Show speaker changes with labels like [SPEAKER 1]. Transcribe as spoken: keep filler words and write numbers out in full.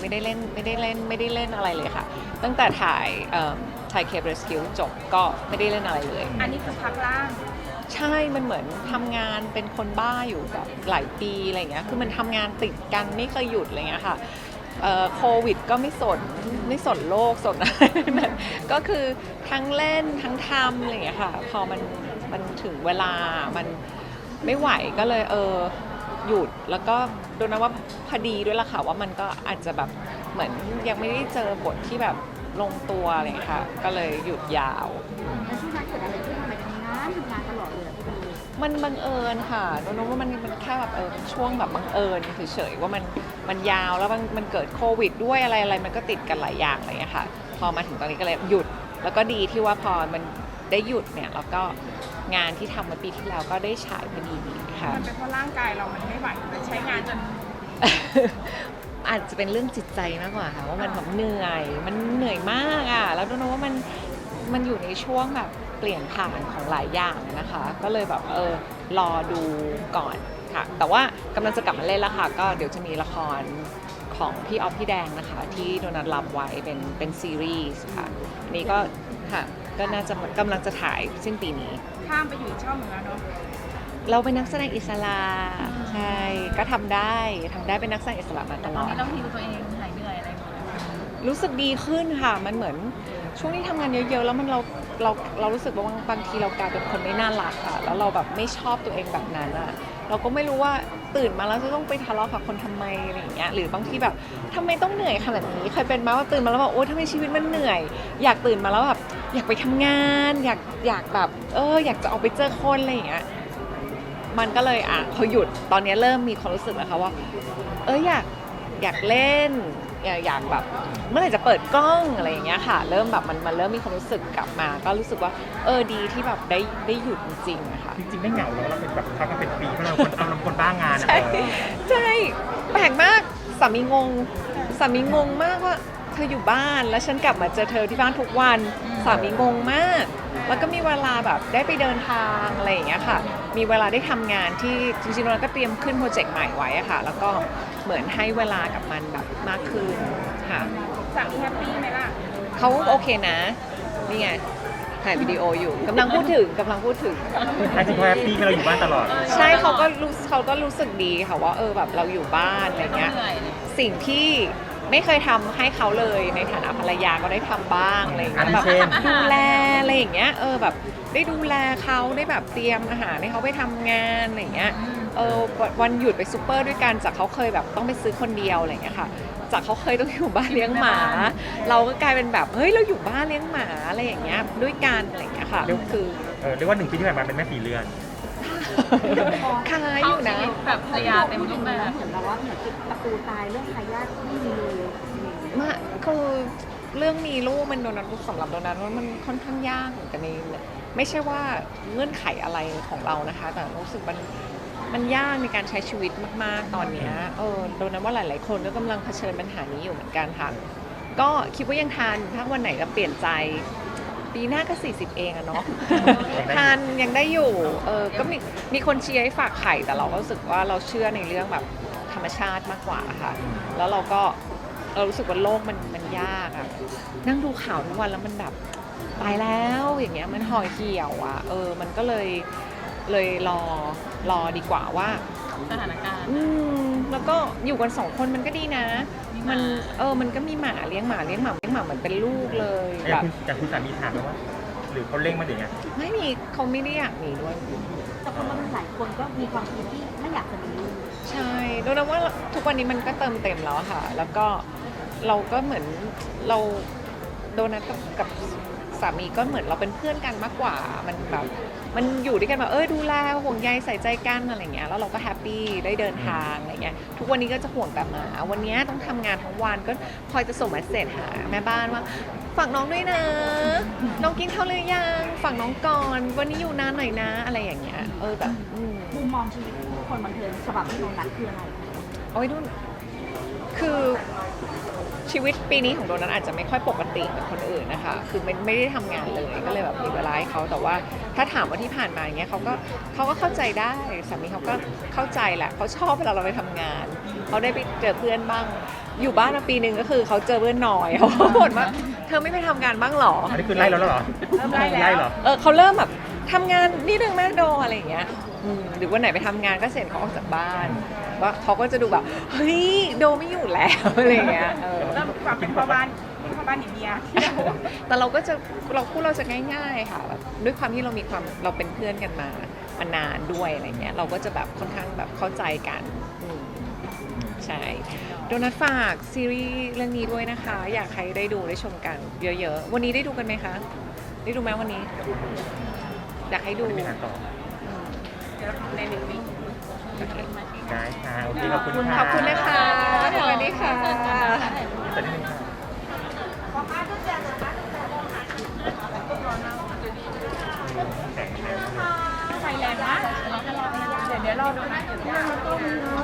[SPEAKER 1] ไม่ได้เล่นไม่ได้เล่นไม่ได้เล่นอะไรเลยค่ะตั้งแต่ถ่ายถ่ายเคปเรสคิวจบก็ไม่ได้เล่นอะไรเลย
[SPEAKER 2] อันนี้คือพักล่าง
[SPEAKER 1] ใช่มันเหมือนทำงานเป็นคนบ้าอยู่แบบหลายปีอะไรเงี้ยคือมันทำงานติดกันไม่เคยหยุดอะไรเงี้ยค่ะโควิดก็ไม่สนไม่สนโลกสนอะไรนั้นก็คือทั้งเล่นทั้งทำอะไรเงี้ยค่ะพอมันมันถึงเวลามันไม่ไหวก็เลยเออหยุดแล้วก็ดูนะว่าพอดีด้วยล่ะค่ะว่ามันก็อาจจะแบบเหมือนยังไม่ได้เจอบทที่แบบลงตัวอะไรอย่างเงี้ยค่ะก็เลยหยุดยาว
[SPEAKER 3] แล้วช่วงนั้นเกิดอะไรขึ้นทำไมทำงานทำงานตลอดเลยพี่บี
[SPEAKER 1] มันบังเอิญค่ะโดนว่ามันมันแค่แบบเออช่วงแบบบังเอิญเฉยๆว่ามันมันยาวแล้วมันมันเกิดโควิดด้วยอะไรอะไรมันก็ติดกันหลายอย่างอะไรอย่างเงี้ยค่ะพอมาถึงตอนนี้ก็เลยหยุดแล้วก็ดีที่ว่าพอมันได้หยุดเนี่ยแล้วก็งานที่ทำมาปีที่แล้วก็ได้ฉายพอดีค่ะ
[SPEAKER 2] มันเป็นเพราะร่างกายเรามันไม่ไหวมันใช้งานจน
[SPEAKER 1] อาจจะเป็นเรื่องจิตใจมากกว่าค่ะว่ามันแบบเหนื่อยมันเหนื่อยมากอ่ะแล้วดูนะว่ามันมันอยู่ในช่วงแบบเปลี่ยนผ่านของหลายอย่างนะคะก็เลยแบบเออรอดูก่อนค่ะแต่ว่ากำลังจะกลับมาเล่นแล้วค่ะก็เดี๋ยวจะมีละครของพี่ออฟพี่แดงนะคะที่โดนัทรับไว้เป็นเป็นซีรีส์ค่ะอันนี้ก็ค่ะก็น่าจะกำลังจะถ่ายสิ้นปีนี้
[SPEAKER 2] ข้ามไปอยู่อีกช่องหนึ่งแล้วเนาะ
[SPEAKER 1] เราเป็นนักแสดงอิสระใช่ก็ทำได้ทำได้เป็นนักแสดงอิสระมาตลอด
[SPEAKER 2] ตอนนี้ต้องฮิวตัวเองหายเหนื่อยอะไรหมดแล้ว
[SPEAKER 1] รู้สึกดีขึ้นค่ะมันเหมือนช่วงที่ทำงานเยอะๆแล้วมันเราเราเรารู้สึกว่าบางทีเรากลายเป็นคนไม่น่ารักค่ะแล้วเราแบบไม่ชอบตัวเองแบบนั้นอ่ะเราก็ไม่รู้ว่าตื่นมาแล้วจะต้องไปทะเลาะกับคนทำไมอะไรอย่างเงี้ยหรือบางทีแบบทำไมต้องเหนื่อยขนาดนี้เคยเป็นไหมว่าตื่นมาแล้วแบบโอ๊ยทำไมชีวิตมันเหนื่อยอยากตื่นมาแล้วแบบอยากไปทำงานอยากอยากแบบเอออยากจะออกไปเจอคนอะไรอย่างเงี้ยมันก็เลยอ่ะพอหยุดตอนนี้เริ่มมีความรู้สึกแล้วค่ะว่าเอออยากอยากเล่นอยากอยากแบบเมื่อไหร่จะเปิดกล้องอะไรอย่างเงี้ยค่ะเริ่มแบบมันมันเริ่มมีความรู้สึกกลับมาก็รู้สึกว่าเออดีที่แบบได้ได้หยุดจริงๆอะค่ะ
[SPEAKER 4] จริงๆไม่เหงาแล้วเราเป็นแบบพักมาเป็นปีเพราะเราคนเราคนบ้างาน
[SPEAKER 1] ใช่ใช่แปลกมากสามีงงสามีงงมากว่าเธออยู่บ้านแล้วฉันกลับมาเจอเธอที่บ้านทุกวันสามีงงมากแล้วก็มีเวลาแบบได้ไปเดินทางอะไรอย่างเงี้ยค่ะมีเวลาได้ทำงานที่จริงๆเราก็เตรียมขึ้นโปรเจกต์ใหม่ไว้อะค่ะแล้วก็เหมือนให้เวลากับมันแบบมากขึ้นค่ะ
[SPEAKER 2] สามีแฮปปี้ไหมล่ะ
[SPEAKER 1] เขาโอเคนะนี่ไงถ่ายวิดีโออยู่กำลังพูดถึงกำลังพูดถึง
[SPEAKER 4] จริงๆแฮปปี้ที่เราอยู่บ้านตลอด
[SPEAKER 1] ใช่เขาก็รู้เขาก็รู้สึกดีค่ะว่าเออแบบเราอยู่บ้านอะไรเงี้ยสิ่งที่ไม่เคยทำให้เขาเลยในฐานะภรรยาก็ได้ทำบ้างอะไรอย่างเงี้ยแบบดูแลอะไรอย่างเงี้ยเออแบบได้ดูแลเขาได้แบบเตรียมอาหารให้เขาไปทำงานอะไรอย่างเงี้ยเออวันหยุดไปซูเปอร์ด้วยกันจากเขาเคยแบบต้องไปซื้อคนเดียวอะไรอย่างเงี้ยค่ะจากเขาเคยต้องอยู่บ้านเลี้ยงหมาเราก็กลายเป็นแบบเฮ้ยเราอยู่บ้านเลี้ยงหมาอะไรอย่างเงี้ยด้วยกันอะไรอย่างเงี้ยค่ะคือ
[SPEAKER 4] เออเรียกว่าหนึ่งปีที่ผ่านมาเป็นแม่สีเรือน
[SPEAKER 1] คล้ายอยู่นะ
[SPEAKER 2] แบบภรรยาเต็มรูปแบบ
[SPEAKER 3] เหมือนแบบว่าเหมือนตะปูตายเรื่องทายาทไม่มีเลย
[SPEAKER 1] มาคือเรื่องมีลูกมันโดนัทสำหรับโดนัทว่ามันค่อนข้างยากเหมือนกันในไม่ใช่ว่าเงื่อนไขอะไรของเรานะคะแต่รู้สึกมันมันยากในการใช้ชีวิตมากๆตอนนี้เออโดนัทว่าหลายๆคนก็กำลังเผชิญปัญหานี้อยู่เหมือนกันค่ะก็คิดว่ายังทันถ้าวันไหนจะเปลี่ยนใจปีหน้าก็สี่สิบเองอะเนาะทันยังได้อยู่เออก็มีมีคนเชียร์ให้ฝากไข่แต่เราก็รู้สึกว่าเราเชื่อในเรื่องแบบธรรมชาติมากกว่าค่ะแล้วเราก็เรารู้สึกว่าโลกมันมันยากอะนั่งดูข่าวทุกวันแล้วมันแบบตายแล้วอย่างเงี้ยมันห่อเหี่ยวอะเออมันก็เลยเลยรอรอดีกว่าว่า
[SPEAKER 2] สถานการณ์
[SPEAKER 1] อืมแล้วก็อยู่กันสองคนมันก็ดีนะมันเออมันก็มีหมาเลี้ยงหมาเลี้ยงหมาเลี้ยงหมาเหมือนเป็นลูกเลย
[SPEAKER 4] แบบจากคุณสามีถามไหมว่าหรือเขาเร่งมาถึงไง
[SPEAKER 1] ไม่มีเขาไม่ได้อยากมีด้วย
[SPEAKER 3] แต่คนบางหลายคนก็มีความคิดที่ไม่อยากจะมี
[SPEAKER 1] ใช่ดูนะว่าทุกวันนี้มันก็เติมเต็มแล้วค่ะแล้วก็เราก็เหมือนเราโดนัทกับกับสามีก็เหมือนเราเป็นเพื่อนกันมากกว่ามันแบบมันอยู่ด้วยกันแบบเออดูแลห่วงใยใส่ใจกันอะไรเงี้ยแล้วเราก็แฮปปี้ได้เดินทางอะไรเงี้ยทุกวันนี้ก็จะห่วงแต่หมาวันนี้ต้องทำงานทั้งวันก็คอยจะส่งเมสเซจหาแม่บ้านว่าฝากน้องด้วยนะน้องกินข้าวหรือยังฝากน้องก่อนวันนี้อยู่นานหน่อยนะอะไรอย่างเงี้ยเออแบบ
[SPEAKER 3] มุมมองชีวิตคนบันเทิงฉบับที่โดนัทคืออะไร
[SPEAKER 1] โอ้ยดูคือชีวิตปีนี้ของโดนัทอาจจะไม่ค่อยปกติเหมือนคนอื่นนะคะคือไม่ไม่ได้ทำงานเลยก็เลยแบบมีเวลาให้เขาแต่ว่าถ้าถามว่าที่ผ่านมาอย่างเงี้ยเขาก็เขาก็เข้าใจได้สามีเขาก็เข้าใจแหละเขาชอบเวลาเราไปทำงานเขาได้ไปเจอเพื่อนบ้างอยู่บ้านมาปีหนึ่งก็คือเขาเจอเพื่อนน้อยเขาบ่นว่าเธอไม่ไปทำงานบ้างเหรอ
[SPEAKER 4] อันนี้คือไล่แล้วเหรอ
[SPEAKER 2] เริ่มไล่แล้ว
[SPEAKER 4] ไล่เหรอ
[SPEAKER 1] เออเขาเริ่มแบบทำงานนี่เรื่องแม่โดอะไรอย่างเงี้ยอืมหรือวันไหนไปทำงานก็เสร็จเขาออกจากบ้านว่าเขาก็จะดูแบบเฮ้ยโดไม่อยู่แล้วอะไรอย่างเงี้ยเออ
[SPEAKER 2] เริ่มกลับเป็นพ่อบ้านพ่อบ้านหนีเมียที่เรา
[SPEAKER 1] แต่เราก็จะเราคู่เราจะง่ายๆค่ะแบบด้วยความที่เรามีความเราเป็นเพื่อนกันมามานานด้วยอะไรเงี้ยเราก็จะแบบค่อนข้างแบบเข้าใจกันอืมใช่โดนัทฝากซีรีส์เรื่องนี้ด้วยนะคะ อยากให้ได้ดูได้ชมกันเยอะๆวันนี้ได้ดูกันไหมคะได้ดูไหมวันนี้ อยากให้ดู
[SPEAKER 4] ไม่ได้มีงานต่อ
[SPEAKER 1] อืม
[SPEAKER 2] เดี๋ยวในหนึ่งวิ
[SPEAKER 1] โอเค
[SPEAKER 4] ได้ค่ะโอเคขอบคุณค่ะ
[SPEAKER 1] ขอบคุณนะคะสวัสดีค่ะ
[SPEAKER 4] จะได้ไหมคะแข็งแรง
[SPEAKER 2] ไฟแรงนะเดี๋ยวเดี๋ยวรอดูนะเดี๋ยว